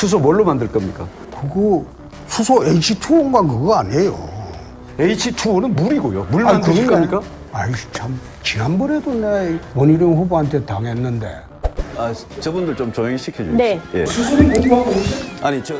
수소 뭘로 만들 겁니까? 그거 수소 H2O인가 그거 아니에요. H2O는 물이고요. 물 만드실 겁니까? 아이 참 지난번에도 내가 원희룡 후보한테 당했는데. 아, 저분들 좀 조용히 시켜주세요. 네. 예. 수소는 공부하고 오세요? 아니, 저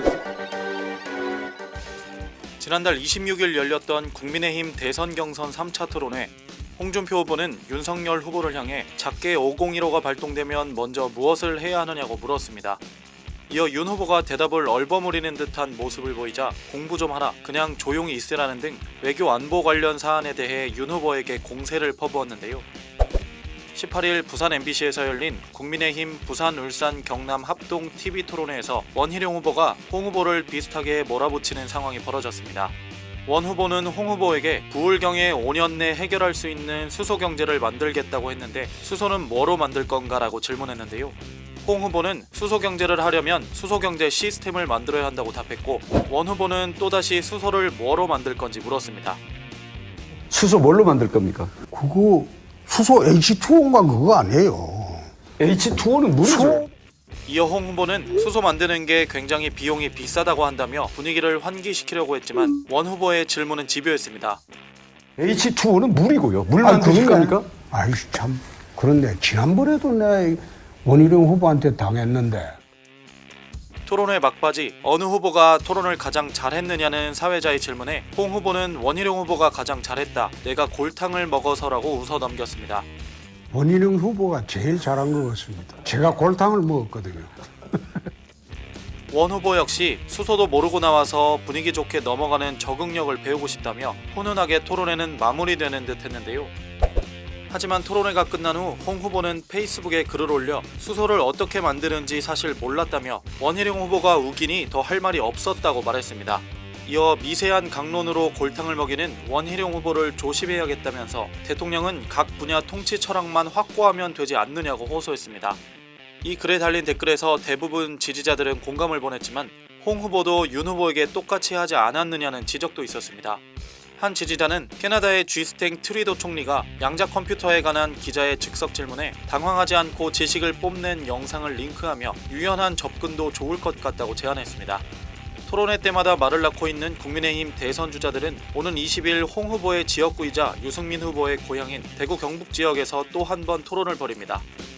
지난달 26일 열렸던 국민의힘 대선 경선 3차 토론회. 홍준표 후보는 윤석열 후보를 향해 작게 5015가 발동되면 먼저 무엇을 해야 하느냐고 물었습니다. 이어 윤 후보가 대답을 얼버무리는 듯한 모습을 보이자 공부 좀 하라, 그냥 조용히 있으라는 등 외교 안보 관련 사안에 대해 윤 후보에게 공세를 퍼부었는데요. 18일 부산 MBC에서 열린 국민의힘 부산, 울산, 경남 합동 TV 토론회에서 원희룡 후보가 홍 후보를 비슷하게 몰아붙이는 상황이 벌어졌습니다. 원 후보는 홍 후보에게 부울경에 5년 내 해결할 수 있는 수소 경제를 만들겠다고 했는데 수소는 뭐로 만들 건가라고 질문했는데요. 홍 후보는 수소 경제를 하려면 수소 경제 시스템을 만들어야 한다고 답했고, 원 후보는 또다시 수소를 뭐로 만들 건지 물었습니다. 수소 뭘로 만들 겁니까? 그거 수소 H2O인가 그거 아니에요. H2O는 물이죠. 이어 홍 후보는 수소 만드는 게 굉장히 비용이 비싸다고 한다며 분위기를 환기시키려고 했지만 원 후보의 질문은 집요했습니다. H2O는 물이고요. 물 만드실 겁니까? 아이 참 그런데 지난번에도 내가 원희룡 후보한테 당했는데. 토론회 막바지 어느 후보가 토론을 가장 잘했느냐는 사회자의 질문에 홍 후보는 원희룡 후보가 가장 잘했다, 내가 골탕을 먹어서라고 웃어 넘겼습니다. 원희룡 후보가 제일 잘한 것 같습니다. 제가 골탕을 먹었거든요. 원 후보 역시 수소도 모르고 나와서 분위기 좋게 넘어가는 적응력을 배우고 싶다며 훈훈하게 토론회는 마무리되는 듯 했는데요. 하지만 토론회가 끝난 후 홍 후보는 페이스북에 글을 올려 수소를 어떻게 만드는지 사실 몰랐다며 원희룡 후보가 우기니 더 할 말이 없었다고 말했습니다. 이어 미세한 강론으로 골탕을 먹이는 원희룡 후보를 조심해야겠다면서 대통령은 각 분야 통치 철학만 확고하면 되지 않느냐고 호소했습니다. 이 글에 달린 댓글에서 대부분 지지자들은 공감을 보냈지만 홍 후보도 윤 후보에게 똑같이 하지 않았느냐는 지적도 있었습니다. 한 지지자는 캐나다의 쥐스탱 트리도 총리가 양자 컴퓨터에 관한 기자의 즉석 질문에 당황하지 않고 지식을 뽐낸 영상을 링크하며 유연한 접근도 좋을 것 같다고 제안했습니다. 토론회 때마다 말을 낳고 있는 국민의힘 대선 주자들은 오는 20일 홍 후보의 지역구이자 유승민 후보의 고향인 대구 경북 지역에서 또 한 번 토론을 벌입니다.